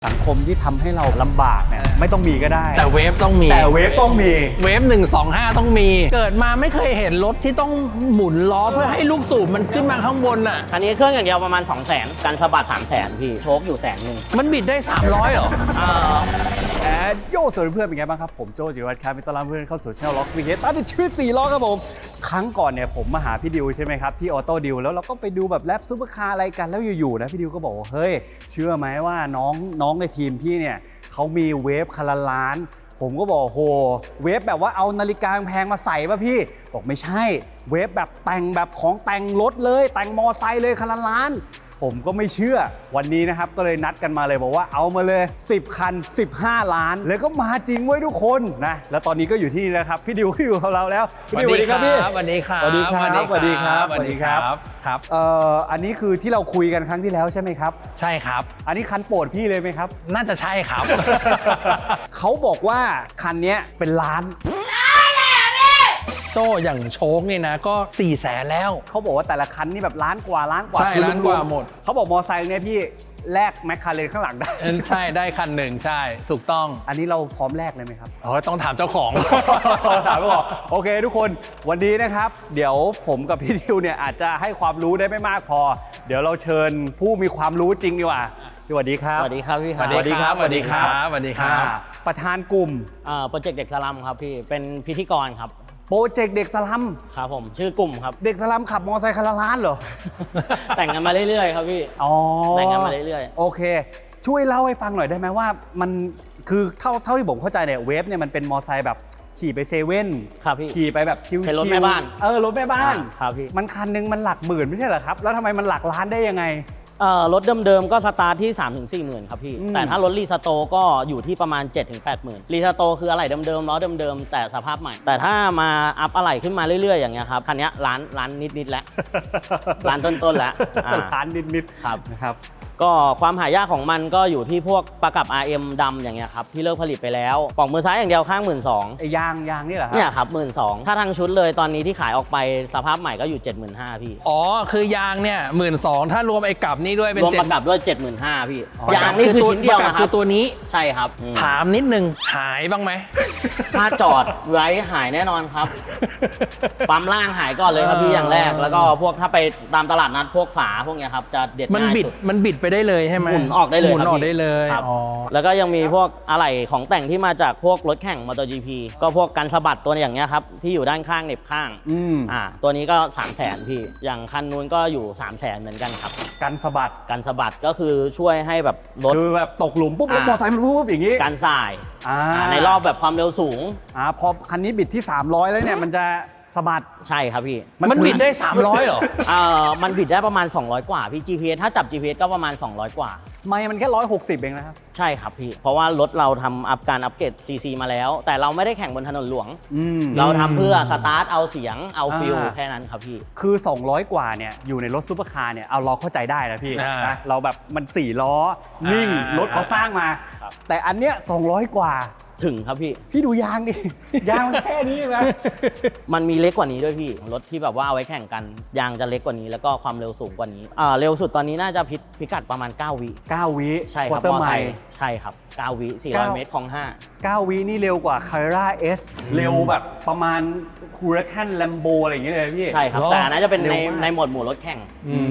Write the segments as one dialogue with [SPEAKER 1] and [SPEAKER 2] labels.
[SPEAKER 1] สังคมที่ทำให้เราลำบากเนี่ยไม่ต้องมีก็ได้
[SPEAKER 2] แต่เวฟต้องมี
[SPEAKER 1] เวฟต้องมี
[SPEAKER 2] เวฟ125ต้องมีเกิดมาไม่เคยเห็นรถที่ต้องหมุนล้อเพื่อให้ลูกสูบมันขึ้นมาข้างบนอ่ะ
[SPEAKER 3] คันนี้เครื่องอย่างเดียวประมาณ 200,000 การสะบัด 300,000 พี่โชคอยู่100,000
[SPEAKER 2] มันบิดได้300เหรอ
[SPEAKER 1] โย่สวัสดีเพื่อนเป็นไงบ้างครับผมโจจิรวัฒน์ครับต้อนรับเพื่อนเข้าสู่ช่องล็อกสปีดเฮดตามติดชีวิต4ล้อครับผมครั้งก่อนเนี่ยผมมาหาพี่ดิวใช่ไหมครับที่ออโต้ดิวแล้วเราก็ไปดูแบบแรปซุปเปอร์คาร์อะไรกันแล้วอยู่ๆนะพี่ดิวก็บอกว่าเฮ้ยเชื่อไหมว่าน้องในทีมพี่เนี่ยเขามีเวฟคันละล้านผมก็บอกโหเวฟแบบว่าเอานาฬิกาแพงมาใส่ป่ะพี่บอกไม่ใช่เวฟแบบแต่งแบบของแต่งรถเลยแต่งมอไซค์เลยคันละล้านผมก็ไม่เชื่อวันนี้นะครับก็เลยนัดกันมาเลยบอกว่าเอามาเลย10คัน15ล้านแล้วก็มาจริงไว้ทุกคนนะแล้วตอนนี้ก็อยู่ที่นี่นะครับพี่ดิวก็อยู่กับเราแล้ว
[SPEAKER 2] สวัสดีครับพี่สวัสดีครับ
[SPEAKER 1] สวัสดีครับสวัสดีครับ
[SPEAKER 2] สวัสดีครับครับ
[SPEAKER 1] อันนี้คือที่เราคุยกันครั้งที่แล้วใช่ไหมครับ
[SPEAKER 2] ใช่ครับ
[SPEAKER 1] อันนี้คันโปรดพี่เลยไหมครับ
[SPEAKER 2] น่าจะใช่ครับ
[SPEAKER 1] เขาบอกว่าคันนี้เป็นล้าน
[SPEAKER 2] โต้อย่างโชคนี่นะก็400,000แล้ว
[SPEAKER 1] เขาบอกว่าแต่ละคันนี่แบบล้านกว่า
[SPEAKER 2] ใช่ล้านกว่าหมด
[SPEAKER 1] เขาบอกมอไซค์เนี่ยพี่แลกแมคคาเรนข้างหลังได้
[SPEAKER 2] ใช่ได้คันหนึ่งใช่ถูกต้อง
[SPEAKER 1] อันนี้เราพร้อมแลกเลยไหมครับ
[SPEAKER 2] ต้องถามเจ้าของ
[SPEAKER 1] ถามเจ้าของโอเคทุกคนวันนี้นะครับเดี๋ยวผมกับพี่ดิวเนี่ยอาจจะให้ความรู้ได้ไม่มากพอเดี๋ยวเราเชิญผู้มีความรู้จริงดีกว่าสวัสดีครับ
[SPEAKER 3] สวัสดีครับพี่
[SPEAKER 2] สวัสดีครับสวัสดีครับสวัสดีครับ
[SPEAKER 1] ประธานกลุ่ม
[SPEAKER 3] โปรเจกต์เด็กสลัมครับพี่เป็นพิธีกรครับ
[SPEAKER 1] โปรเจกต์เด็กสลัม
[SPEAKER 3] ครับผมชื่อกลุ่มครับ
[SPEAKER 1] เด็กสลัมขับมอเตอร์ไซค์คันละล้านเหรอ
[SPEAKER 3] แต่งกันมาเรื่อยๆครับพี่แต่งกันมาเรื่อย
[SPEAKER 1] ๆโอเคช่วยเล่าให้ฟังหน่อยได้ไหมว่ามันคือเท่าที่ผมเข้าใจเนี่ยเวฟเนี่ยมันเป็นมอเตอร์ไซค์แบบขี่ไปเซเว่น
[SPEAKER 3] ครับพี่
[SPEAKER 1] ขี่ไปแบบชิวๆ
[SPEAKER 3] เป็นรถแม่บ้าน
[SPEAKER 1] รถแม่บ้าน
[SPEAKER 3] ครับพี่
[SPEAKER 1] มันคันนึงมันหลักหมื่นไม่ใช่เหรอครับแล้วทำไมมันหลักล้านได้ยังไง
[SPEAKER 3] รถเดิมๆก็สตาร์ทที่ 3-4 หมื่นครับพี่แต่ถ้ารถรีสโตร์ก็อยู่ที่ประมาณ 7-8 หมื่นรีสโตร์คืออะไหล่เดิมๆล้อเดิมๆแต่สภาพใหม่แต่ถ้ามาอัพอะไหล่ขึ้นมาเรื่อยๆอย่างเงี้ยครับคันนี้ล้านนิดๆแล้วล้านต้นๆแล้ว
[SPEAKER 1] ล้านนิด
[SPEAKER 3] ๆครับ
[SPEAKER 1] นะครับ
[SPEAKER 3] ก็ความหายากของมันก็อยู่ที่พวกประกับ RM ดำอย่างเงี้ยครับที่เลิกผลิตไปแล้วปล่องมือซ้ายอย่างเดียวข้าง 12,000
[SPEAKER 1] ไอ้ยางนี่เหรอครับ
[SPEAKER 3] เนี่ยครับ 12,000ถ้าทั้งชุดเลยตอนนี้ที่ขายออกไปสภาพใหม่ก็อยู่ 75,000พี่
[SPEAKER 2] คือยางเนี่ย 12,000ถ้ารวมไอ้กับนี่ด้วยเป็น
[SPEAKER 3] รวมประกับด้วย 75,000พี่ยางนี่คือชิ้นเดียวนะครับ
[SPEAKER 2] คือตัวนี้
[SPEAKER 3] ใช่ครับ
[SPEAKER 2] ถามนิดนึงหายบ้างไหม
[SPEAKER 3] ถ้าจอดไว้หายแน่นอนครับปั๊มล่างหายก่อนเลยครับพี่อย่างแรกแล้วก็พวกถ้าไปตามตลาดนัดพวกฝาพวกเนี้ยครับจะเด็ดง่ายสุด
[SPEAKER 2] มันบิดไปได้เลยใช่ไหม
[SPEAKER 3] หมุนออกได้เลย
[SPEAKER 2] หมุนออกได้เลย
[SPEAKER 3] ครับแล้วก็ยังมีพวกอะไหล่ของแต่งที่มาจากพวกรถแข่ง MotoGP ก็พวกกันสะบัดตัวอย่างเงี้ยครับที่อยู่ด้านข้างเหน็บข้างตัวนี้ก็ 300,000พี่อย่างคันนู้นก็อยู่ 300,000เหมือนกันครับ
[SPEAKER 1] กันสะบัด
[SPEAKER 3] ก็คือช่วยให้แบบรถ
[SPEAKER 1] คือแบบตกหลุมปุ๊บรถมอเตอร์ไซค์มันปุ๊บอย่างงี้
[SPEAKER 3] การสายในรอบแบบความเร็วสูง
[SPEAKER 1] พอคันนี้บิดที่300แล้วเนี่ยมันจะสะบัด
[SPEAKER 3] ใช่ครับพี่
[SPEAKER 2] มันบิดได้300เหรอ
[SPEAKER 3] มันบิดได้ประมาณ200กว่าพี่ GPS ถ้าจับ GPS ก็ประมาณ200กว่า
[SPEAKER 1] ไม่มันแค่160เองนะครับ
[SPEAKER 3] ใช่ครับพี่เพราะว่ารถเราทำการอัปเกรด CC มาแล้วแต่เราไม่ได้แข่งบนถนนหลวงเราทำเพื่อสตาร์ทเอาเสียงเอาฟิลแค่นั้นครับพี่
[SPEAKER 1] คือ200กว่าเนี่ยอยู่ในรถซุปเปอร์คาร์เนี่ยเอาเราเข้าใจได้นะพี่นะเราแบบมัน4ล้อนิ่งรถเขาสร้างมาแต่อันเนี้ย200กว่า
[SPEAKER 3] ถึงครับ
[SPEAKER 1] พี่ดูยางดิ ยางมันแค่นี้ไหม
[SPEAKER 3] มันมีเล็กกว่านี้ด้วยพี่รถที่แบบว่าเอาไว้แข่งกันยางจะเล็กกว่านี้แล้วก็ความเร็วสูงกว่านี้เร็วสุดตอนนี้น่าจะพิกัดประมาณ9 วิใช่ครับมอไซค์ใช่ครับ9 วิ400 เมตรของ
[SPEAKER 1] 9 วินี่เร็วกว่า Carrera S เร็วแบบประมาณ Huracan Lambo อะไรอย่างเงี้ยเลยพี่
[SPEAKER 3] ใช่ครับแต่น่าจะเป็นในหมวดหมู่รถแข่ง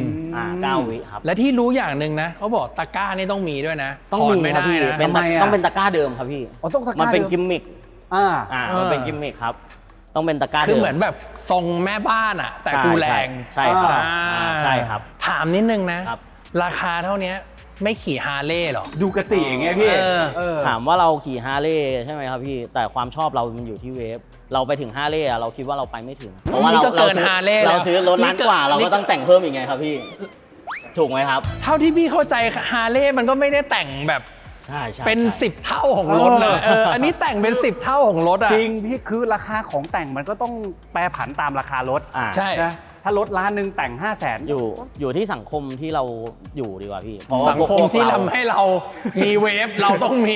[SPEAKER 3] 9 วิครับ
[SPEAKER 2] และที่รู้อย่างหนึ่งนะเขาบอกตะกร้านี่ต้องมีด้วยนะ
[SPEAKER 3] ต้องมีครับพี่ต้องเป็นตะกร้าเดิมครับพี่มันเป็นกิมมิคมันเป็นกิมมิคครับต้องเป็นตะกร้า
[SPEAKER 2] คือเหมือนแบบทรงแม่บ้านอะแต่กูแรง
[SPEAKER 3] ใช่ครับใช่ครับ
[SPEAKER 2] ถามนิดนึงนะราคาเท่านี้ไม่ขี่ฮาร์เลย์หรอ
[SPEAKER 1] ดูกติอย่างเงี้ยพี่
[SPEAKER 3] ถามว่าเราขี่ฮาร์เลย์ใช่ไหมครับพี่แต่ความชอบเรามันอยู่ที่เวฟเราไปถึงฮาร์เลย์เราคิดว่าเราไปไม่ถึงเพราะว่าเราซื้อรถล้านกว่าเราก็ต้องแต่งเพิ่มอีกไงครับพี่ถูกไหมครับ
[SPEAKER 2] เท่าที่พี่เข้าใจฮาร์เลย์มันก็ไม่ได้แต่งแบบเป็น10เท่าของรถเลยอันนี้แต่งเป็น10เท่าของรถอะ
[SPEAKER 1] จริงพี่คือราคาของแต่งมันก็ต้องแปรผันตามราคารถ
[SPEAKER 2] ใช่
[SPEAKER 1] ถ้ารถล้านหนึ่งแต่ง500,000
[SPEAKER 3] อยู่ที่สังคมที่เราอยู่ดีกว่าพี่
[SPEAKER 2] สังคมที่ทำให้เรามีเวฟเราต้องมี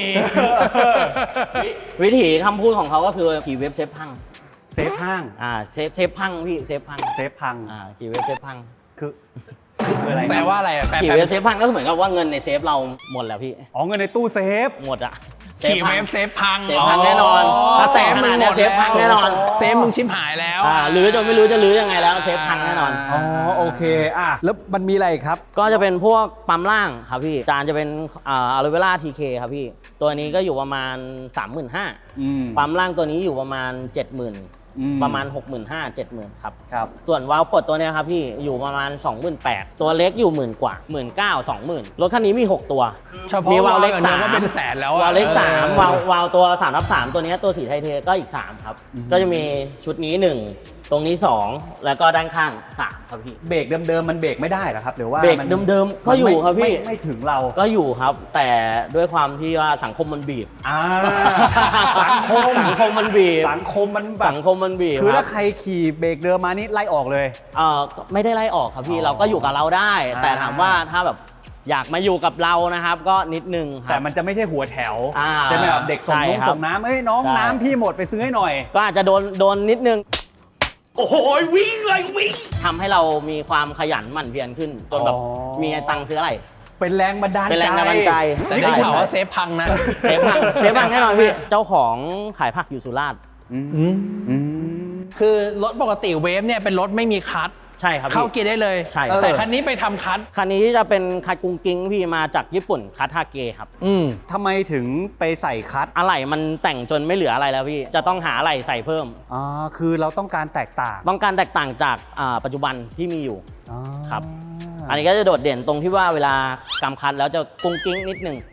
[SPEAKER 3] วิธีคำพูดของเขาก็คือขี่เวฟเซฟพัง
[SPEAKER 1] เซฟพัง
[SPEAKER 3] เซฟพังพี่เซฟพัง
[SPEAKER 1] ขี่เวฟเซฟพัง
[SPEAKER 3] คือ
[SPEAKER 1] คืออะไร
[SPEAKER 2] แปลว่าอะไรอะแปล
[SPEAKER 3] ขี่เวฟเซฟพังก็เหมือนกับว่าเงินในเซฟเราหมดแล้วพี่
[SPEAKER 1] อ๋อเงินในตู้เซฟ
[SPEAKER 3] หมดอะ
[SPEAKER 2] ขี่เวฟเซฟพัง
[SPEAKER 3] เซฟพังแน่นอนถ้าเซฟมึงหมดเซฟพังแน่นอน
[SPEAKER 2] เซฟมึงชิบหายแล้ว
[SPEAKER 3] หรือจนไม่รู้จะรื้อยังไงแล้วเซฟพังแน่นอน
[SPEAKER 1] อ๋อโอเคแล้วมันมีอะไรอีกครับ
[SPEAKER 3] ก็จะเป็นพวกปั๊มล่างครับพี่จานจะเป็นอะโลเวล่าทีเคครับพี่ตัวนี้ก็อยู่ประมาณ 35,000 ปั๊มล่างตัวนี้อยู่ประมาณ 70,000 ประมาณ 65,000 70,000ครับ
[SPEAKER 1] ครับ
[SPEAKER 3] ส่วนวาล์วปลดตัวเนี้ยครับพี่อยู่ประมาณ 28,000 ตัวเล็กอยู่10,000 กว่า 19,000 20,000 รถคันนี้มี 6 ตัว
[SPEAKER 2] เฉพาะ
[SPEAKER 3] มีวาล์วเล็ก
[SPEAKER 2] วาล์วอย่างเดียว
[SPEAKER 3] 3
[SPEAKER 2] ก็เป็นแสนแล้วอะ
[SPEAKER 3] วาล์วเล็ก
[SPEAKER 2] เออ
[SPEAKER 3] 3วาล์วตัว3/3ตัวเนี้ยตัวสีไทเทก็อีก 3 ครับ ก็จะมีชุดนี้ 1 ตรงนี้ 2 แล้วก็ด้านข้าง 3 ครับพี่
[SPEAKER 1] เบรกเดิมๆมันเบรกไม่ได้เหรอครับหรือว่า
[SPEAKER 3] เบรก
[SPEAKER 1] มัน
[SPEAKER 3] เดิมๆก็อยู่ครับพี่
[SPEAKER 1] ไม่ถึงเรา
[SPEAKER 3] ก็อยู่ครับ แต่ด้วยความที่ว่าสังคมมันบีบ
[SPEAKER 1] สังคม
[SPEAKER 3] สังคมมันบีบ
[SPEAKER 1] สังคมมันแบบ
[SPEAKER 3] สังคมมันบีบ
[SPEAKER 1] คือ
[SPEAKER 3] รั
[SPEAKER 1] ถ้า
[SPEAKER 3] บ
[SPEAKER 1] ใครขี่เบรกเดิมมานี่ไล่ออกเลย
[SPEAKER 3] ไม่ได้ไล่ออกครับพี่
[SPEAKER 1] อ๋อ
[SPEAKER 3] เราก็อยู่กับเราได้ แต่ถามว่า
[SPEAKER 1] อ่า
[SPEAKER 3] ถ้าแบบอยากมาอยู่กับเรานะครับ ก็นิดนึงค
[SPEAKER 1] แต่
[SPEAKER 3] รับ
[SPEAKER 1] มันจะไม่ใช่หัวแถว
[SPEAKER 3] อ่า
[SPEAKER 1] จะเป็นแบบเด็กส่ง
[SPEAKER 3] ใช่
[SPEAKER 1] น้อง
[SPEAKER 3] ครับ
[SPEAKER 1] ส่งน้ำเอ้ยน้อง
[SPEAKER 3] ใช่
[SPEAKER 1] น้ำพี่หมดไปซื้อให้หน่อย
[SPEAKER 3] ก็อาจจะโดนนิดนึง
[SPEAKER 1] โอ้โหวิ่งเลยวิ่ง
[SPEAKER 3] ทำให้เรามีความขยันหมั่นเพียรขึ้นจนแบบ
[SPEAKER 1] อ๋อ
[SPEAKER 3] มีตังค์ซื้ออะไร
[SPEAKER 1] เป็นแรงบันดาลใจ
[SPEAKER 3] เป็นแรงบันดาลใจ
[SPEAKER 2] แต่ได้ข่าวว่าเซฟพังนะ
[SPEAKER 3] เซฟพังเซฟพังแน่นอนพี่ เจ้าของขายผักอยู่สุราษฎร์
[SPEAKER 2] คือรถปกติเวฟเนี่ยเป็นรถไม่มีคลัตช์
[SPEAKER 3] ใช่ครับ
[SPEAKER 2] เข้า
[SPEAKER 3] พี่
[SPEAKER 2] เกียร์ได้เลย
[SPEAKER 3] ใช่ครับ
[SPEAKER 2] แต่คันนี้ไปทำคลัตช์
[SPEAKER 3] คันนี้จะเป็นคัดกุ้งกิ้งพี่มาจากญี่ปุ่นคัดฮาเกครับ
[SPEAKER 1] ทำไมถึงไปใส่คัท
[SPEAKER 3] อะไหล่มันแต่งจนไม่เหลืออะไรแล้วพี่ จะต้องหาอะไหล่ใส่เพิ่ม
[SPEAKER 1] คือเราต้องการแตกต่าง
[SPEAKER 3] ต้องการแตกต่างจากปัจจุบันที่มีอยู่
[SPEAKER 1] อ๋อ
[SPEAKER 3] ครับ อันนี้ก็จะโดดเด่นตรงที่ว่าเวลากำคัดแล้วจะกุ้งกิ้งนิดนึง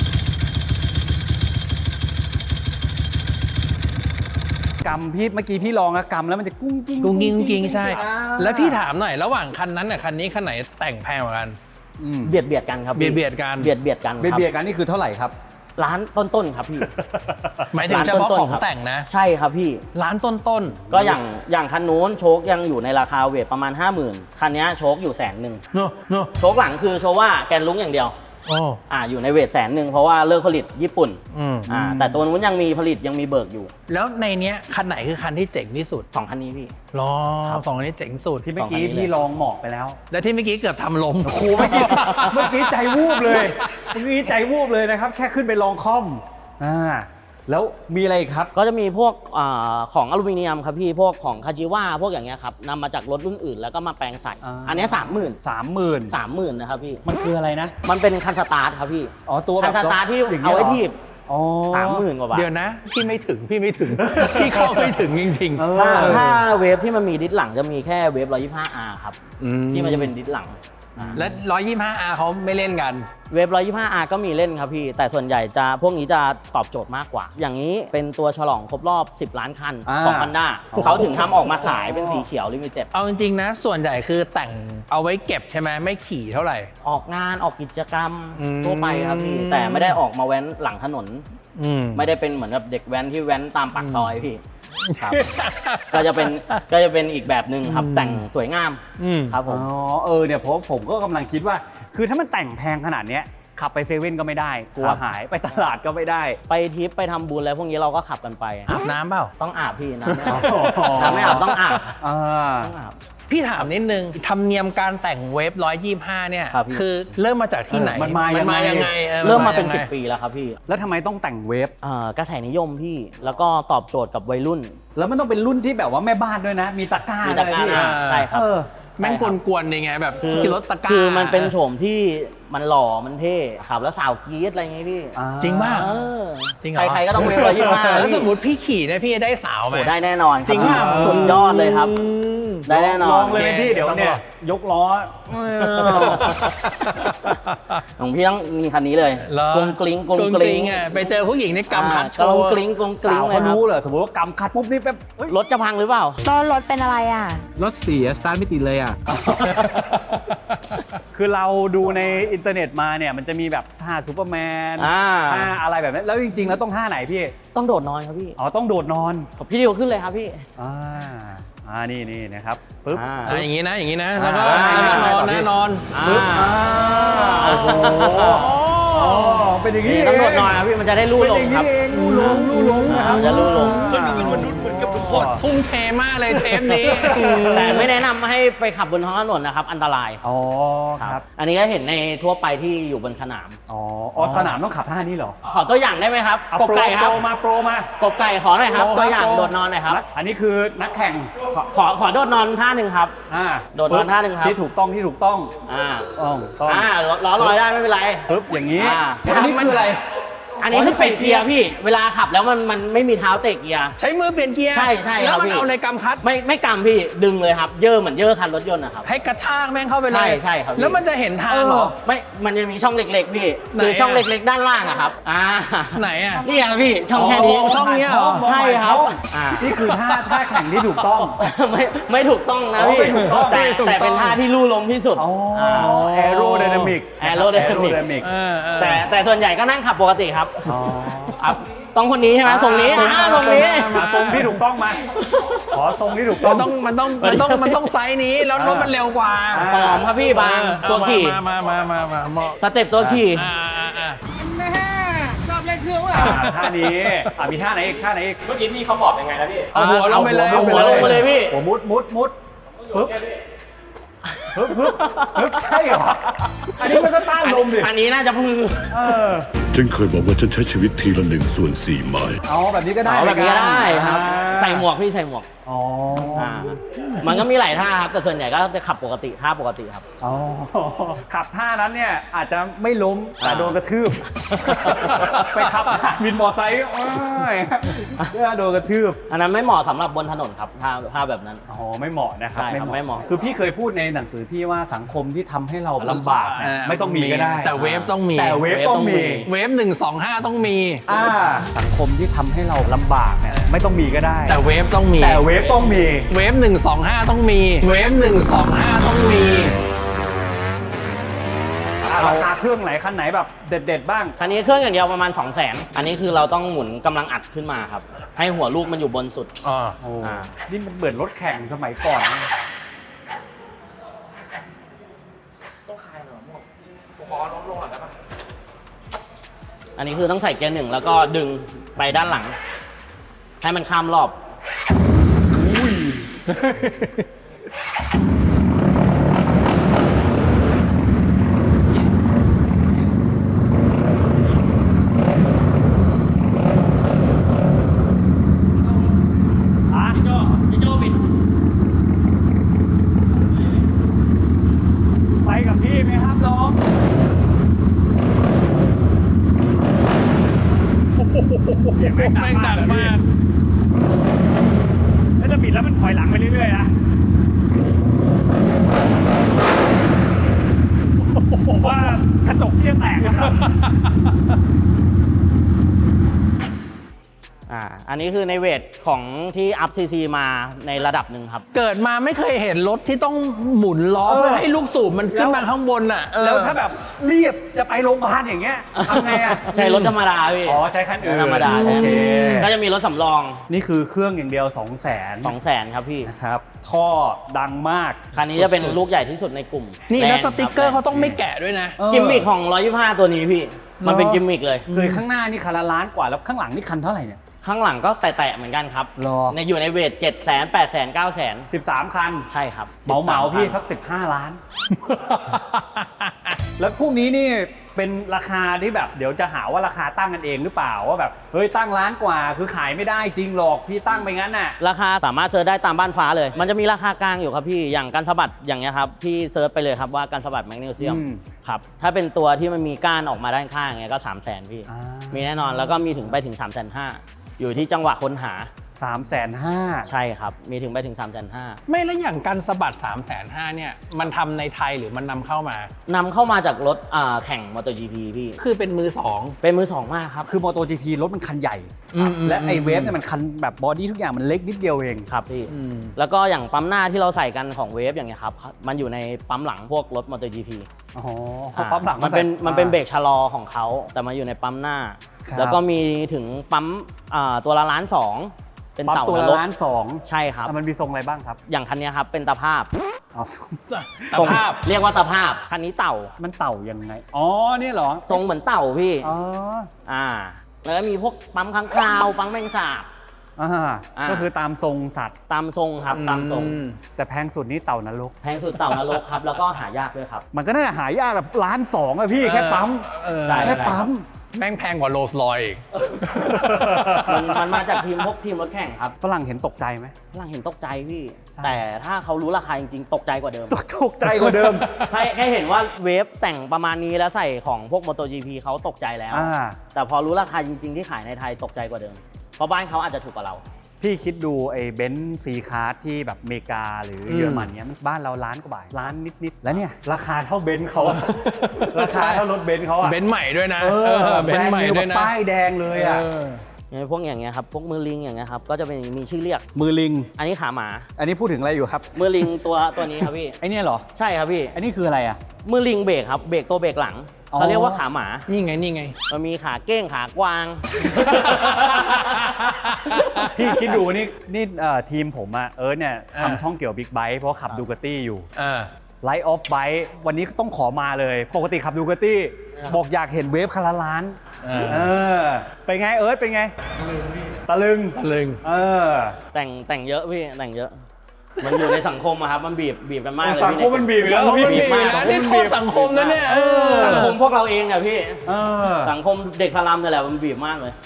[SPEAKER 1] กำพี่เมื่อกี้พี่ลองอะกำแล้วมันจะกุ้งกิ้ง
[SPEAKER 2] กุ้งกิ้งกุ้งกิ้งใช่
[SPEAKER 1] อ่า
[SPEAKER 2] แล้วพี่ถามหน่อยระหว่างคันนั้นกับคันนี้คันไหนแต่งแพงกว่ากัน
[SPEAKER 3] เบียดกันครับพี่
[SPEAKER 2] เบียดกัน
[SPEAKER 3] เบียดกันครับ
[SPEAKER 1] เบียดกันนี่คือเท่าไหร่ครับ
[SPEAKER 3] ร้านต้นๆครับพี่
[SPEAKER 2] หมายถึงเฉพาะของแต่งนะ
[SPEAKER 3] ใช่ครับพี่
[SPEAKER 2] ร้านต้น
[SPEAKER 3] ก็อย่างคันนู้นโชคยังอยู่ในราคาเวทประมาณ 50,000 คันนี้โชคอยู่100,000
[SPEAKER 2] เนอะเนอะ
[SPEAKER 3] โชคหลังคือโชว่าแกนลุ้งอย่างเดียว
[SPEAKER 2] โอ้
[SPEAKER 3] อยู่ในเวท100,000เพราะว่าเลิกผลิตญี่ปุ่น แต่ตัวนู้นยังมีผลิตยังมีเบิกอยู่
[SPEAKER 2] แล้วในเนี้ยคันไหนคือคันที่เจ๋งที่สุด
[SPEAKER 3] 2 คันนี้พี่
[SPEAKER 2] รอ
[SPEAKER 3] ครับ
[SPEAKER 2] สองคันนี้เจ๋งสุด
[SPEAKER 1] ที่เมื่อกี้
[SPEAKER 3] สองคันนี้เลย
[SPEAKER 1] พี่ลองหมอกไปแล้ว
[SPEAKER 2] และที่เมื่อกี้เกือบทำล้ม
[SPEAKER 1] โอ้โหเมื่อกี้ เมื่อกี้ใจวูบเลยเมื่อกี้ใจวูบเลยนะครับ แค่ขึ้นไปลองคอมแล้วมีอะไรอีกครับ
[SPEAKER 3] ก็จะมีพวกของอลูมิเนียมครับพี่พวกของคาจิว a พวกอย่างเงี้ยครับนำมาจากรถรุ่นอื่นแล้วก็มาแปลงใส่ อันเนี้ย30,000
[SPEAKER 1] 30,000
[SPEAKER 3] นะครับพี่
[SPEAKER 1] มันคืออะไรนะ
[SPEAKER 3] มันเป็นคันสตาร์ทครับพี่
[SPEAKER 1] ตัวแบ
[SPEAKER 3] คั
[SPEAKER 1] บ
[SPEAKER 3] นสตาร์ทที่
[SPEAKER 1] ย่ง
[SPEAKER 3] เอา
[SPEAKER 1] งี้ย
[SPEAKER 3] ไว้
[SPEAKER 1] หร
[SPEAKER 3] ทีบ
[SPEAKER 1] อ๋อ
[SPEAKER 3] 30,000 กว่าบาท
[SPEAKER 2] เดี๋ยวนะ พี่ไม่ถึง พี่เข้าไม่ถึงจริง
[SPEAKER 1] เออ
[SPEAKER 3] ถ้าเวฟที่มันมีดิสหลังจะมีแค่เวฟ 125R ครับ ที่มันจะเป็นดิสหลัง
[SPEAKER 2] และ 125R เขาไม่เล่นกัน
[SPEAKER 3] เวฟ 125R ก็มีเล่นครับพี่ แต่ส่วนใหญ่จะพวกนี้จะตอบโจทย์มากกว่า อย่างนี้เป็นตัวฉลองครบรอบ 10 ล้านคันของ Honda เขาถึงทำออกมาขายเป็นสีเขียวลิมิเต็ด
[SPEAKER 2] เอาจริงๆนะ ส่วนใหญ่คือแต่งเอาไว้เก็บใช่ไหมไม่ขี่เท่าไหร่
[SPEAKER 3] ออกงานออกกิจกรรม
[SPEAKER 2] อืม
[SPEAKER 3] ทั่วไปครับพี่ แต่ไม่ได้ออกมาแว้นหลังถนน ไม่ได้เป็นเหมือนกับเด็กแว้นที่แว้นตามปากซอยพี่ครับ ก็จะเป็นอีกแบบหนึ่งครับแต่งสวยงามครับผม
[SPEAKER 1] เนี่ยผมก็กำลังคิดว่า คือถ้ามันแต่งแพงขนาดเนี้ยขับไปเซเว่นก็ไม่ได้กลัว
[SPEAKER 3] ครับ
[SPEAKER 1] หายไปตลาดก็ไม่ได้
[SPEAKER 3] ไปทริปไปทำบุญอะไรพวกนี้เราก็ขับกันไป
[SPEAKER 2] อาบน้ำเปล่า
[SPEAKER 3] ต้องอาบพี่น้ำไม่อาบ
[SPEAKER 1] อ๋อ
[SPEAKER 3] น้ำไม่อาบต้องอาบ
[SPEAKER 1] อ่า
[SPEAKER 3] ต้องอาบ
[SPEAKER 2] พี่ถามนิดนึงธรรมเนียมการแต่งเวฟ 125 เนี่ย
[SPEAKER 3] ครับพี่
[SPEAKER 2] คือเริ่มมาจากที่ไหน
[SPEAKER 1] มันมายังไง
[SPEAKER 3] เริ่มมาเป็น
[SPEAKER 2] ยังไง
[SPEAKER 3] 10 ปีแล้วครับพี่
[SPEAKER 1] แล้วทำไมต้องแต่งเวฟ
[SPEAKER 3] กระแสนิยมพี่แล้วก็ตอบโจทย์กับวัยรุ่น
[SPEAKER 1] แล้วมันต้องเป็นรุ่นที่แบบว่าแม่บ้านด้วยนะ มีตะกร้า
[SPEAKER 3] มี
[SPEAKER 1] เล
[SPEAKER 3] ตะ
[SPEAKER 1] ย
[SPEAKER 3] กร้า
[SPEAKER 1] พี่
[SPEAKER 3] ใช่ครับ
[SPEAKER 2] แม่งกวนๆนี่ไงแบบ
[SPEAKER 3] คือ
[SPEAKER 2] ขี่รถตะกร้า
[SPEAKER 3] คือมันเป็นโฉมที่มันหล่อมันเท่ขับแล้วสาวกรี๊ดอะไรอย่างงี้พี่
[SPEAKER 2] จริงป่ะ
[SPEAKER 3] เออ
[SPEAKER 2] จริงเหรอ
[SPEAKER 3] ใครๆก็ต้องเวฟ125
[SPEAKER 2] แล้วสมมติพี่ขี่เนี่ยพี่จะได้สาวไหม
[SPEAKER 3] โอ้ได้แน่นอนคบ
[SPEAKER 2] จริงป่ะ
[SPEAKER 3] สุดยอดเลยครับ ได้แน่นอน
[SPEAKER 1] ลองเลยไหมพี่เดี๋ยวเนี่ยยกล้อ
[SPEAKER 3] ของพี่ต้องมีคันนี้เลย
[SPEAKER 2] เหรอก
[SPEAKER 3] รุงกริ้งกรุง
[SPEAKER 2] กรุง
[SPEAKER 3] ก
[SPEAKER 2] ก
[SPEAKER 3] ริ้
[SPEAKER 2] ริ้
[SPEAKER 3] ง
[SPEAKER 2] งอ่ะไปเจอผู้หญิงในกำคัดโช
[SPEAKER 3] กรุง
[SPEAKER 2] ว์
[SPEAKER 3] กริ้งกรุงกริ้
[SPEAKER 1] สาง ว
[SPEAKER 3] เล
[SPEAKER 1] เขา
[SPEAKER 3] ยครับ
[SPEAKER 1] รู้เหรอสมมติว่ากำคัดปุ๊บนี่แบบเฮ้ย
[SPEAKER 3] รถจะพังหรือเปล่า
[SPEAKER 4] ตอนรถเป็นอะไรอ่ะ
[SPEAKER 5] รถเสียสตาร์ทไม่ติดเลยอ่ะ
[SPEAKER 1] คือเราดูในอินเทอร์เน็ตมาเนี่ยมันจะมีแบบท่าซูเปอร์แมน
[SPEAKER 3] อ่า
[SPEAKER 1] ท่าอะไรแบบนั้นแล้วจริงๆแล้วต้องท่าไหนพี่
[SPEAKER 3] ต้องโดดนอนครับพี่
[SPEAKER 1] อ๋อต้องโดดนอน
[SPEAKER 3] พี่ดิวขึ้นเลยครับพี่
[SPEAKER 1] นี่นะครับปึ๊บ
[SPEAKER 2] อย่างนี้นะอย่างนี้นะแล้วก็
[SPEAKER 1] อ่า
[SPEAKER 2] นอนนะนอน
[SPEAKER 1] ปึ๊บโอ้โหเป็นอย่างนี้
[SPEAKER 3] นี่
[SPEAKER 1] เอง
[SPEAKER 3] ต้องโดดนอนครับพี่มันจะได้ลู่
[SPEAKER 1] เป็น
[SPEAKER 3] ล
[SPEAKER 1] อง ย่าง
[SPEAKER 3] ค
[SPEAKER 1] นี้
[SPEAKER 3] รับ
[SPEAKER 1] เองลู่ลงนะครับ
[SPEAKER 3] จะลู่ลง
[SPEAKER 1] เขาดูเป็นมนุษย์เหมือนกับทุกคน
[SPEAKER 2] ทุ่มเทมากเลยเทปนี้
[SPEAKER 3] แต่ไม่แนะนำให้ไปขับบนท้องถนนนะครับอันตราย
[SPEAKER 1] อ๋อครับ
[SPEAKER 3] อันนี้ก็เห็นในทั่วไปที่อยู่บนสนาม
[SPEAKER 1] อ๋อสนามต้องขับท่านี้เหรอ
[SPEAKER 3] ขอตัวอย่างได้ไหมครับ
[SPEAKER 1] เอา
[SPEAKER 3] กบไก่ครับ
[SPEAKER 1] โปรมา
[SPEAKER 3] กบไก่ขอหน่อยครับ
[SPEAKER 2] โปรครับ
[SPEAKER 3] ตัวอย่าง
[SPEAKER 2] โปร
[SPEAKER 3] โดดนอนหน่อยครับ
[SPEAKER 1] อันนี้คือนักแข่ง
[SPEAKER 3] ขอโดดนอนท่าหนึ่งครับ โดดนอนท่าหนึ่งครับ
[SPEAKER 1] ที่ถูกต้องต้อง
[SPEAKER 3] อ่า
[SPEAKER 1] ต้อง
[SPEAKER 3] ล้อลอยได้ไม่เป็นไร
[SPEAKER 1] ปึ๊บอย่างนี้
[SPEAKER 3] อ่า
[SPEAKER 1] อันนี้คืออะไร
[SPEAKER 3] อันนี้คือเปลี่ยนเกียร์พี่ เวลาขับแล้วมันไม่มีเท้าเตะเกียร์
[SPEAKER 2] ใช้มือเปลี่ยนเกียร์
[SPEAKER 3] ใช่ใช่ครับ
[SPEAKER 2] แล้วมัน
[SPEAKER 3] พี่
[SPEAKER 2] เอาอะไรกำคัด
[SPEAKER 3] ไม่กำพี่ดึงเลยครับเย่อเหมือนเย่อคันรถยนต์นะครับ
[SPEAKER 2] ให้กระชากแม่งเข้าไปเลย
[SPEAKER 3] ใช่ครับพี่
[SPEAKER 2] แล้วมันจะเห็นทางเหรอ
[SPEAKER 3] ไม่มันจะมีช่องเล็กๆพี่
[SPEAKER 2] ไหน
[SPEAKER 3] คือช่อง
[SPEAKER 2] อะ
[SPEAKER 3] เล็กๆด้านล่างอะครับ
[SPEAKER 2] ไหนอ่ะ
[SPEAKER 3] นี่ครับพี่ช่องแค่นี้
[SPEAKER 2] อ๋อช่องเนี้ยเหรอ
[SPEAKER 3] ใช่ครับอ่า
[SPEAKER 1] นี่คือท่าแข่งที่ถูกต้อง
[SPEAKER 3] ไม่ถูกต้องนะพี่
[SPEAKER 1] ไม่ถูกต้อง
[SPEAKER 3] แต่เป็นท่าที่ลู่ลมที่สุด
[SPEAKER 1] แอโรไดนามิก
[SPEAKER 3] Aerodynamic แต่ส่วนใหญ่ก็นั่งขับปกติครับ
[SPEAKER 1] อ๋อ
[SPEAKER 3] ครับต้องคนนี้ใช่ไหมทรงนี้ทรงนี้
[SPEAKER 1] ทรงที่ถูกต้องมาขอทรงที่ถูกต้อง
[SPEAKER 2] มันต้องไซส์นี้แล้วรถมันเร็วกว่า
[SPEAKER 3] หอมครับพี่บางตัวขี่
[SPEAKER 2] มาเหมาะ
[SPEAKER 3] สเต็ปตัวขี่
[SPEAKER 1] ท่านี้มีท่าไหนอีกท่าไหนอีก
[SPEAKER 3] เมื่อกี้พี่เขาบอกยังไงนะพี่
[SPEAKER 2] เอาหัวลงไปเลย
[SPEAKER 3] เอาหัวลงไปเลยพี่
[SPEAKER 1] หัวมุดฟึบใช่เหรออันนี้มันก็ต้านลมดิ
[SPEAKER 3] อันนี้น่าจะพือ
[SPEAKER 4] ฉันเคยบอกว่าฉันใช้ชีวิตทีละ1/4 ไม้
[SPEAKER 1] เอาแบบนี้ก็ได้
[SPEAKER 3] เอาแบบนี้ก็ได้ครับ ใส่หมวกพี่ใส่หมวก
[SPEAKER 1] อ๋อ
[SPEAKER 3] มันก็มีหลายท่าครับแต่ส่วนใหญ่ก็จะขับปกติท่าปกติครับ
[SPEAKER 1] อ๋อขับท่านั้นเนี่ยอาจจะไม่ล้มแต่โดนกระทืบ ไปขับวินมอไซค์เพื่อโดนกระทืบ
[SPEAKER 3] อันนั้นไม่เหมาะสำหรับบนถนนครับท่าแบบนั้น
[SPEAKER 1] อ๋อไม่เหมาะนะครับ
[SPEAKER 3] ใช่ครับไม่เหมาะ
[SPEAKER 1] คือพี่เคยพูดในหนังสือพี่ว่าสังคมที่ทำให้เราลำบากเนี่ยไม่ต้องมีก็ได้
[SPEAKER 2] แต่เวฟต้องมี
[SPEAKER 1] แต่เวฟต้องมี
[SPEAKER 2] เวฟ125ต้องมี
[SPEAKER 1] สังคมที่ทำให้เราลำบากเนี่ยไม่ต้องมีก็ได้
[SPEAKER 2] แต่เวฟต้องมี
[SPEAKER 1] แต่เวฟต้องมี
[SPEAKER 2] เวฟ125ต้องมี เวฟ125ต้องมี
[SPEAKER 1] ราคาเครื่องไหนคันไหนแบบเด็ดๆบ้าง
[SPEAKER 3] คันนี้เครื่องอย่างเดียวประมาณ 200,000 อันนี้คือเราต้องหมุนกำลังอัดขึ้นมาครับ ให้หัวลูกมันอยู่บนสุด
[SPEAKER 2] อ๋อ
[SPEAKER 1] โอ้นี่มันเหมือนรถแข่งสมัยก่อนนะ
[SPEAKER 3] อันนี้คือต้องใส่เกียร์หนึ่งแล้วก็ดึงไปด้านหลัง ให้มันข้ามรอบ
[SPEAKER 1] ไปกับพี่ไหมครับน้องเสียงแม่งดังมากแล้วจะบิดแล้วมันถอยหลังไปเรื่อยๆนะผมว่ากระจกพี่จะแตกนะครับ
[SPEAKER 3] อันนี้คือในเวทของที่อัพซีซีมาในระดับหนึ่งครับ
[SPEAKER 2] เกิดมาไม่เคยเห็นรถที่ต้องหมุนล้อเพื่อให้ลูกสูบมันขึ้นมาข้างบนอ่ะ
[SPEAKER 1] แล้วถ้าแบบเรียบจะไปโรงพยาบาลอย่างเงี้ยทำไงอ่ะ
[SPEAKER 3] ใช้รถธรรมดาพี่
[SPEAKER 1] อ๋อใช้คันอื่น
[SPEAKER 3] ธรรมดา
[SPEAKER 1] โอเค
[SPEAKER 3] ก็จะมีรถสำรอง
[SPEAKER 1] นี่คือเครื่องอย่างเดียว 200,000
[SPEAKER 3] 200,000 ครับพี่
[SPEAKER 1] นะครับท่อดังมาก
[SPEAKER 3] คันนี้จะเป็นลูกใหญ่ที่สุดในกลุ่ม
[SPEAKER 2] นี่แล้ว
[SPEAKER 3] บ
[SPEAKER 2] ส
[SPEAKER 3] ด์
[SPEAKER 2] ติกเกอร์
[SPEAKER 3] ค
[SPEAKER 2] เขาต้องไม่แกะด้วยนะ
[SPEAKER 3] กิมมิคของ 125 ตัวนี้พี่ มันเป็นกิมมิคเลย
[SPEAKER 1] คือข้างหน้านี่คันละล้านกว่าแล้วข้างหลังนี่คันเท่าไหร่เนี่ย
[SPEAKER 3] ข้างหลังก็แตะๆเหมือนกันครับ
[SPEAKER 1] หรอ
[SPEAKER 3] อยู่ในเวท 700,000 800,000 900,000
[SPEAKER 1] 13 คัน
[SPEAKER 3] ใช่ครับ
[SPEAKER 1] เหมาพี่
[SPEAKER 3] 13
[SPEAKER 1] สัก 15 ล้าน แล้วพวกนี้นี่เป็นราคาที่แบบเดี๋ยวจะหาว่าราคาตั้งกันเองหรือเปล่าว่าแบบเฮ้ยตั้งล้านกว่าคือขายไม่ได้จริงหรอกพี่ตั้งไปงั้นน่ะ
[SPEAKER 3] ราคาสามารถเซิร์ชได้ตามบ้านฟ้าเลย มันจะมีราคากลางอยู่ครับพี่ อย่างการสะบัดอย่างเงี้ยครับพี่เซิร์ชไปเลยครับว่าการสะบัดแมกนีเซียม
[SPEAKER 1] อืม
[SPEAKER 3] ครับ ถ้าเป็นตัวที่มันมีก้านออกมาด้านข้างอย่างเงี้ยก็ 300,000 พี่ มีแน่นอนแล้วก็มีถึงไปถึง 350,000 อยู่ที่จังหวะค้นหา
[SPEAKER 1] 350,000
[SPEAKER 3] ใช่ครับ มีถึงไปถึง 350,000
[SPEAKER 2] ไม่แล้วอย่างการสะบัด 350,000เนี่ยมันทำในไทยหรือมันนำเข้ามา
[SPEAKER 3] นำเข้ามาจากรถแข่ง MotoGP พี่
[SPEAKER 2] คือเป็นมือสอง
[SPEAKER 3] เป็นมือสองมากครับ
[SPEAKER 1] คือ MotoGP รถมันคันใหญ่
[SPEAKER 2] อืม
[SPEAKER 1] และไอเวฟเนี่ยมันคันแบบบอดี้ทุกอย่างมันเล็กนิดเดียวเอง
[SPEAKER 3] ครับพี่
[SPEAKER 2] อืม
[SPEAKER 3] แล้วก็อย่างปั๊มหน้าที่เราใส่กันของเวฟอย่างเงี้ยครับ มันอยู่ในปั๊มหลังพวกรถ MotoGP
[SPEAKER 1] อ๋อปั๊มหลัง
[SPEAKER 3] มันเป็นเบรกชะลอของเขาแต่มาอยู่ในปั๊มหน้า
[SPEAKER 1] ครับ
[SPEAKER 3] แล้วก็มีถึงปั๊มตัวละ1.2 ล้านเป็น
[SPEAKER 1] ปั๊ม
[SPEAKER 3] เต่า
[SPEAKER 1] ตัวละ
[SPEAKER 3] นรก
[SPEAKER 1] 1.2 ล้าน
[SPEAKER 3] ใช่ครับ
[SPEAKER 1] มันมีทรงอะไรบ้างครับ
[SPEAKER 3] อย่างคันเนี้ยครับเป็นตะภาพ
[SPEAKER 1] อ๋อ
[SPEAKER 2] สภาพ
[SPEAKER 3] เรียกว่าสภาพคันนี้เต่า
[SPEAKER 1] มันเต่ายังไงอ๋อเนี่ยเหรอ
[SPEAKER 3] ทรงเหมือนเต่าพี่
[SPEAKER 1] อ๋อ
[SPEAKER 3] แล้วก็มีพวกปั๊มค้างคาวปั๊มแมงสาบ
[SPEAKER 1] ก็คือตามทรงสัตว์
[SPEAKER 3] ตามทรงครับตามทรง
[SPEAKER 1] แต่แพงสุดนี่เต่านรก
[SPEAKER 3] แพงสุดเต่านรกครับ แล้วก็หายากด้วยครับ
[SPEAKER 1] มันก็น่าจะหายากแบบ1.2 ล้านอะพี่แค่ปั๊ม
[SPEAKER 3] ใช่
[SPEAKER 1] แค่ปั๊ม
[SPEAKER 2] แม่งแพงกว่าโรลส์รอยซ์อีก
[SPEAKER 3] มันมาจากพวกทีมรถแข่งครับ
[SPEAKER 1] ฝรั่งเห็นตกใจไหม
[SPEAKER 3] ฝรั่งเห็นตกใจพี่
[SPEAKER 1] ใช่
[SPEAKER 3] แต่ถ้าเขารู้ราคาจริงๆ ตกใจกว่าเดิม
[SPEAKER 1] ตกใจกว่าเดิม
[SPEAKER 3] แค่เห็นว่าเวฟแต่งประมาณนี้แล้วใส่ของพวก MotoGP เขาตกใจแล้ว แต่พอรู้ราคาจริงๆ ที่ขายในไทยตกใจกว่าเดิม เพราะบ้านเขาอาจจะถูกกว่าเรา
[SPEAKER 1] พี่คิดดูไอ้เบนซ์ซีคาร์ที่แบบอเมริกาหรือเยอรมันเนี้ยมันบ้านเราล้านกว่าบาทล้านนิดๆแล้วเนี่ยราคาเท่าเบนซ์เขาอะราคาเท่ารถเบนซ์เขาอะ
[SPEAKER 2] เบนซ์ใหม่ด้วยนะ
[SPEAKER 1] แบ
[SPEAKER 2] เบ
[SPEAKER 1] ร
[SPEAKER 2] น
[SPEAKER 1] น
[SPEAKER 2] ซ์
[SPEAKER 1] ด์
[SPEAKER 2] ใหม่
[SPEAKER 1] นิว
[SPEAKER 2] ด้
[SPEAKER 1] แบ
[SPEAKER 2] วย
[SPEAKER 1] บ
[SPEAKER 2] นะ
[SPEAKER 1] ป้ายแดงเลยอะ
[SPEAKER 3] พวกอย่างเงี้ยครับ พวกมือลิงอย่างเงี้ยครับ ก็จะเป็นมีชื่อเรียก
[SPEAKER 1] มือลิง
[SPEAKER 3] อันนี้ขาหมา
[SPEAKER 1] อันนี้พูดถึงอะไรอยู่ครับ
[SPEAKER 3] มือลิงตัวนี้ครับพี่
[SPEAKER 1] ไอ้เนี่ยเหรอ
[SPEAKER 3] ใช่ครับพี่
[SPEAKER 1] อันนี้คืออะไรอะ
[SPEAKER 3] มือลิงเบรกครับ เบรกตัวเบรกหลัง
[SPEAKER 1] อ๋อ
[SPEAKER 3] เขาเรียกว่าขาหมา
[SPEAKER 2] นี่ไงนี่ไง
[SPEAKER 3] มันมีขาเก้งขากวาง
[SPEAKER 1] พี่คิดดูนี่ทีมผมอะเนี่ย
[SPEAKER 2] อ่า
[SPEAKER 1] ทำช่องเกี่ยวบิ๊กไบค์เพราะขับดูกาตี้อยู่
[SPEAKER 2] อ่า
[SPEAKER 1] ไลท์ออฟไบค์วันนี้ต้องขอมาเลย ปกติขับดูกาตี้บอกอยากเห็นเวฟคันละล้าน เป็นไงเป็นไงตะลึง
[SPEAKER 2] ตะลึง
[SPEAKER 3] แต่งเยอะพี่แต่งเยอะ มันอยู่ในสังคมอะครับ มันบีบกันมากเลย
[SPEAKER 1] สังคมมันบีบอยู่แล้ว
[SPEAKER 2] สังคมมันบีบ
[SPEAKER 3] มาก
[SPEAKER 2] นะนี่โทษสังคมนะเนี่ย
[SPEAKER 3] สังคมพวกเราเองอะพี่
[SPEAKER 1] เออ
[SPEAKER 3] สังคมเด็กสลัมนี่แหละมันบีบมากเลย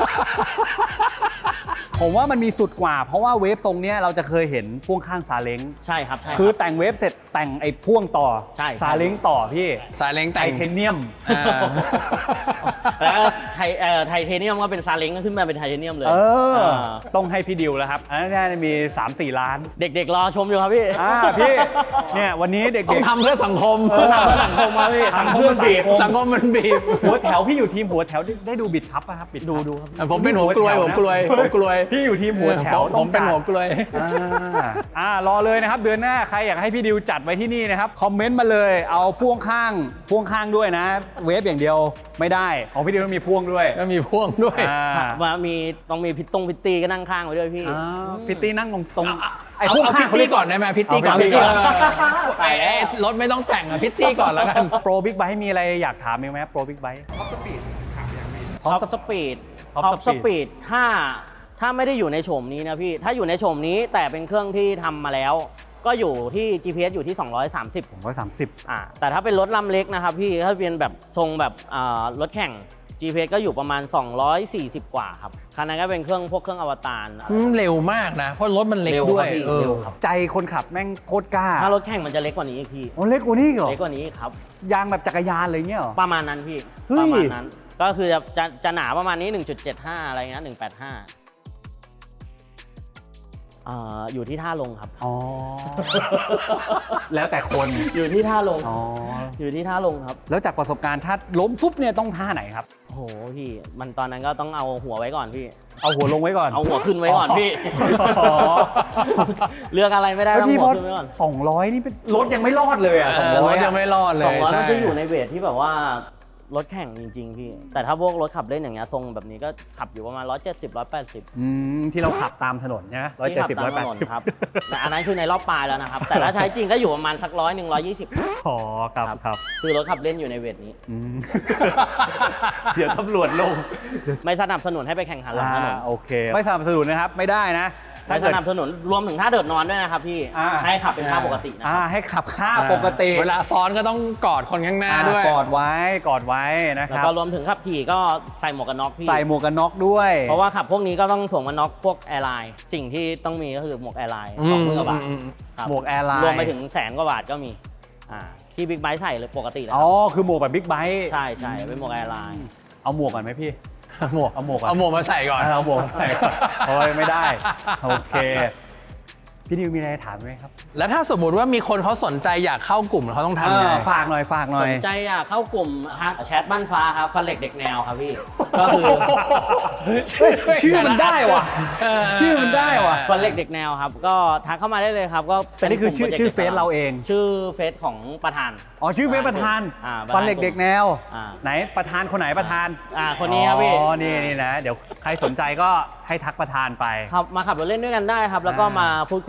[SPEAKER 1] ผมว่ามันมีสุดกว่า เพราะว่าเวฟทรงเนี้ยเราจะเคยเห็นพ่วงข้างซาเล้ง
[SPEAKER 3] ใช่ครับใช่ครับ
[SPEAKER 1] คือแต่งเวฟเสร็จแต่งไอ้พ่วงต่อ
[SPEAKER 3] ใช่
[SPEAKER 1] ซาเล้งต่อพี่
[SPEAKER 2] สายเล้ง
[SPEAKER 1] ไท
[SPEAKER 2] แต่ง
[SPEAKER 1] เทเนียม
[SPEAKER 2] อ่า
[SPEAKER 3] แล้วไทเทเนียมก็เป็นซาเล้งก็ขึ้นมาเป็นไทเทเนียมเลย
[SPEAKER 1] ต้องให้พี่ดิวแล้วครับ อันนั้นมี 3-4 ล้าน
[SPEAKER 3] เด็กๆรอชมอยู่ครับพี่
[SPEAKER 1] พี่เนี่ยวันนี้เด็ก
[SPEAKER 2] ต้องทำเพื่อสังคม
[SPEAKER 3] เพื่อสังคมครับพี่
[SPEAKER 1] ทำเพื่อสังคม
[SPEAKER 2] สังคมมันบีบ
[SPEAKER 1] หัวแถวพี่อยู่ทีมหัวแถวได้ดูบิดพับป่ะครับบิดพับ
[SPEAKER 3] ดูครับ
[SPEAKER 2] ผมเป็นหัวกลวยผมกลวยผมกลวย
[SPEAKER 1] พี่อยู่ทีมหัวแถว
[SPEAKER 2] ผมเป็นหัวกลวย
[SPEAKER 1] รอเลยนะครับเดือนหน้าใครอยากให้พี่ดิวจัดไว้ที่นี่นะครับคอมเมนต์มาเลยเอาพ่วงข้างด้วยนะ เวฟอย่างเดียวไม่ได้ของพี่ดิวต้องมีพ่วงด้วย
[SPEAKER 2] ก็มีพ่วงด้วย
[SPEAKER 3] ว่าต้องมีพิตตี้ก็นั่งข้างไว้ด้วยพี่
[SPEAKER 1] พิตตี้นั่งตรงไอ้
[SPEAKER 2] เอา
[SPEAKER 1] พ่วง
[SPEAKER 2] เอา
[SPEAKER 1] ข้า
[SPEAKER 2] พิ
[SPEAKER 1] ง
[SPEAKER 2] ตตี้ก่อนได้ไหมพิตตี้ก่อน
[SPEAKER 1] เอาพิตตี้ก่อน
[SPEAKER 2] ไอ้รถไม่ต้องแต่งอะพิตตี้ก่อนแล้วกัน
[SPEAKER 1] โปรบิ๊กไบค์มีอะไรอยากถามไหมโปรบิ๊กไบค์
[SPEAKER 3] ท็อปสปีด
[SPEAKER 1] Top
[SPEAKER 3] ท็อปส
[SPEAKER 1] Speed
[SPEAKER 3] ปีดถ้าไม่ได้อยู่ในโฉมนี้นะพี่ ถ้าอยู่ในโฉมนี้แต่เป็นเครื่องที่ทำมาแล้ว ก็อยู่ที่ GPS อยู่ที่ 230
[SPEAKER 1] ผมว่า30
[SPEAKER 3] แต่ถ้าเป็นรถลำเล็กนะครับพี่ ถ้าเป็นแบบทรงแบบรถแข่ง GPS ก็อยู่ประมาณ 240 กว่าครับ คันนั้นก็เป็นพวกเครื่องอวตาร
[SPEAKER 2] เร็วมากนะ เพราะรถมันเล็ก
[SPEAKER 3] เร็ว
[SPEAKER 2] ด้วย
[SPEAKER 3] ครับพี่
[SPEAKER 2] เออ
[SPEAKER 3] เร็วครับ
[SPEAKER 1] ใจคนขับแม่งโคตรกล้า
[SPEAKER 3] ถ้ารถแข่งมันจะเล็กกว่านี้อีกพี่
[SPEAKER 1] โอ้เล็กกว่านี้อีกเหรอ
[SPEAKER 3] เล็กกว่านี้ครับ
[SPEAKER 1] ยางแบบจักรยานอะไรเงี้ยเหรอ
[SPEAKER 3] ประมาณนั้นพี่
[SPEAKER 1] เฮ้ย
[SPEAKER 3] ประมาณนั้น ก็คือจะหนาประมาณนี้ 1.75 อะไรเงี้ย185อยู่ที่ท่าลงครับ
[SPEAKER 1] อ๋อ แล้วแต่คน
[SPEAKER 3] อยู่ที่ท่าลง
[SPEAKER 1] อ๋อ
[SPEAKER 3] อยู่ที่ท่าลงครับ
[SPEAKER 1] แล้วจากประสบการณ์ถ้าล้มฟุบเนี่ยต้องท่าไหนครับ
[SPEAKER 3] โอ้โหพี่ มันตอนนั้นก็ต้องเอาหัวไว้ก่อนพี่
[SPEAKER 1] เอาหัวลงไว้ก่อน
[SPEAKER 3] เอาหัวขึ้นไว้ก่อนพี่
[SPEAKER 1] อ๋อ
[SPEAKER 3] เลือกอะไรไม่ได้
[SPEAKER 1] แล้ว
[SPEAKER 3] ต้อง
[SPEAKER 1] พี่
[SPEAKER 3] หั
[SPEAKER 1] พ
[SPEAKER 3] ว
[SPEAKER 1] อ
[SPEAKER 3] ขึ้นไว้ก่อน
[SPEAKER 1] 200 นี่เป็นรถยังไม่รอดเลยอ่ะ
[SPEAKER 2] รถ
[SPEAKER 1] 200
[SPEAKER 2] ยังไม่รอดเลย
[SPEAKER 3] 200
[SPEAKER 2] ใช่
[SPEAKER 3] มันจะอยู่ในเวทที่แบบว่ารถแข่งจริงๆพี่ แต่ถ้าพวกรถขับเล่นอย่างเงี้ยทรงแบบนี้ก็ขับอยู่ประมาณ 170 180
[SPEAKER 1] ที่เราขับตามถนนใช่ไหม
[SPEAKER 3] ที่ขับ
[SPEAKER 1] 170
[SPEAKER 3] ตามถนน
[SPEAKER 1] 180
[SPEAKER 3] ครับ แต่อันนั้นคือในรอบปลายแล้วนะครับ แต่ถ้าใช้จริงก็อยู่ประมาณสัก100 120
[SPEAKER 1] อ๋อครับ
[SPEAKER 3] คือรถขับเล่นอยู่ในเวทนี้
[SPEAKER 1] เดี๋ยวตำรวจลง
[SPEAKER 3] ไม่สนับสนุนให้ไปแข่งขันหลังถนน
[SPEAKER 1] โอเค ไม่สนับสนุนนะครับ ไม่ได้นะ
[SPEAKER 3] ไม่สนับสนุนรวมถึงท่าเดินนอนด้วยนะครับพี่ ให้ขับเป็นท่าปกตินะครับ
[SPEAKER 1] ให้ขับค่าปกติ
[SPEAKER 2] เวลาซ้อนก็ต้องกอดคนข้างหน้าด้วย
[SPEAKER 1] กอดไว้นะค
[SPEAKER 3] แล้ว
[SPEAKER 1] รับ
[SPEAKER 3] ก็รวมถึงขับขี่ก็ใส่หมวกกันน็อกพี่
[SPEAKER 1] ใส่หมวกกันน็อกด้วย
[SPEAKER 3] เพราะว่าขับพวกนี้ก็ต้องสวมหมวกกันน็อกพวกแอร์ไลน์สิ่งที่ต้องมีก็คือหมวกแอร์ไลน์20,000 กว่าบาทครับ
[SPEAKER 1] หมวกแอร์ไลน์
[SPEAKER 3] รวมไปถึง100,000 กว่าบาทก็มีที่บิ๊กไบค์ใส่เลยปกติเลยค
[SPEAKER 1] อ๋อ
[SPEAKER 3] รับ
[SPEAKER 1] คือหมวกแบบบิ๊กไบค์
[SPEAKER 3] ใช่เป็นหมวกแอร์ไลน์
[SPEAKER 1] เอาหมวกก่อนไหมพี่
[SPEAKER 2] หมวก
[SPEAKER 1] เอาหมวกก่อน
[SPEAKER 2] เอาหมวกมาใส่ก่อน
[SPEAKER 1] เอาหมวกใส่โอ้ยไม่ได้ โอเค พี่ดิวมีอะไรถามไหมครับ
[SPEAKER 2] แล้วถ้าสมมุติว่ามีคนเขาสนใจอยากเข้ากลุ่มเขาต้องทำยังไง
[SPEAKER 1] ฝากหน่อย
[SPEAKER 3] สนใจเข้ากลุ่มแชทบ้านฟ้าครับฟันเหล็กเด็กแนวครับพี่ ก็คือ
[SPEAKER 1] ชื่อมันได้ว่ะ ชื่อมันได้ว่ะ
[SPEAKER 3] ฟันเหล็กเด็กแนวครับ ก็ทักเข้ามาได้เลยครับก็เป็
[SPEAKER 1] อันนี้คือ
[SPEAKER 3] กลุ่ม
[SPEAKER 1] ชื่อ
[SPEAKER 3] โปจกต์
[SPEAKER 1] เฟซเราเอง
[SPEAKER 3] ชื่อเฟซของประธาน
[SPEAKER 1] อ๋อชื่อเฟซประธาน
[SPEAKER 3] ประธาน
[SPEAKER 1] ฟันเหล็กเด็กแนว
[SPEAKER 3] อ่า
[SPEAKER 1] ไหนประธานคนไหนประธาน
[SPEAKER 3] คนนี้ครับพี่
[SPEAKER 1] อ๋อนี่นะ เดี๋ยวใครสนใจก็ให้ทักประธานไป
[SPEAKER 3] ครับมาขับรถเล่นด้วยกันได้ครับ แล้วก็มาพูดคุย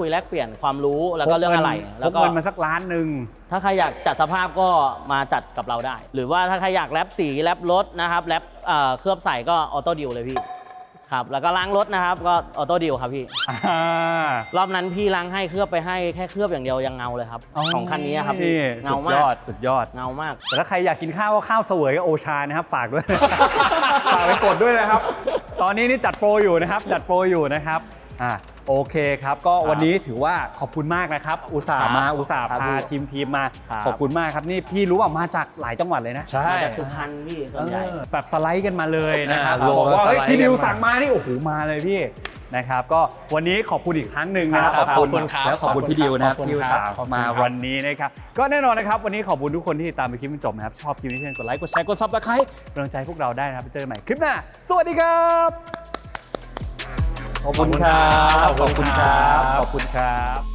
[SPEAKER 3] คุยแลกเปลี่ยนความรู้แล้วก็เรื่องอะไร
[SPEAKER 1] พ
[SPEAKER 3] แล้ว
[SPEAKER 1] ก
[SPEAKER 3] ก็
[SPEAKER 1] เงินมาสักล้านหนึ่ง
[SPEAKER 3] ถ้าใครอยากจัดสภาพก็มาจัดกับเราได้ หรือว่าถ้าใครอยากแรปสีแรปรถนะครับแรปเคลือบใส่ก็ออโต้ดิวเลยพี่ครับแล้วก็ล้างรถนะครับก็ออโต้ดิวครับพี่ รอบนั้นพี่ล้างให้เคลือบไปให้แค่เคลือบอย่างเดียวยังเงาเลยครับของคันนี้ครับพี่เงามาก
[SPEAKER 1] สุดยอด
[SPEAKER 3] เงามาก
[SPEAKER 1] แต่ถ้าใครอยากกินข้าวก็ข้าวเสวยกับโอชานะครับฝากด้วย ฝากไปกดด้วยนะครับ ตอนนี้นี่จัดโปรอยู่นะครับโอเคครับก็วันนี้ถือว่าขอบคุณมากนะครับอุตส่าห์
[SPEAKER 3] ครับ
[SPEAKER 1] มาอุตส่าห์
[SPEAKER 3] ครับ
[SPEAKER 1] พา
[SPEAKER 3] พี่
[SPEAKER 1] ทีมมา
[SPEAKER 3] ครับ
[SPEAKER 1] ขอบคุณมากครับนี่พี่รู้ว่ามาจากหลายจังหวัดเลยนะ
[SPEAKER 2] ใช่
[SPEAKER 3] มาจากสุพรรณพี่ส่วนใหญ่
[SPEAKER 1] แบบสไลด์กันมาเลยนะครับ
[SPEAKER 2] ลง
[SPEAKER 1] บอกว่า
[SPEAKER 2] แล้ว
[SPEAKER 1] เฮ้ย
[SPEAKER 2] สไลด์
[SPEAKER 1] พี่ดิว
[SPEAKER 2] กันมา
[SPEAKER 1] สั่งมานี่โอ้โหมาเลยพี่นะครับก็วันนี้ขอบคุณอีกครั้งหนึ่งนะครับ
[SPEAKER 2] ครับขอบคุณครับ
[SPEAKER 1] แล้วขอบคุณพี่ดิวนะครับ
[SPEAKER 2] ขอบคุณ
[SPEAKER 1] ที่อุต
[SPEAKER 2] ครับ
[SPEAKER 1] ส่าห์
[SPEAKER 2] ขอบคุณ
[SPEAKER 1] มา
[SPEAKER 2] ครับ
[SPEAKER 1] วันนี้นะครับก็แน่นอนนะครับวันนี้ขอบคุณทุกคนที่ตามไปคลิปจนจบนะครับชอบคลิปนี้เช่นกดไลค์กดแชร์กดซับสไครต์กำลังใจพวกเราได้นะครับไปเจอกันใหม่คลิปหน้าสวัสดีครับขอบคุณครับขอบคุณครับ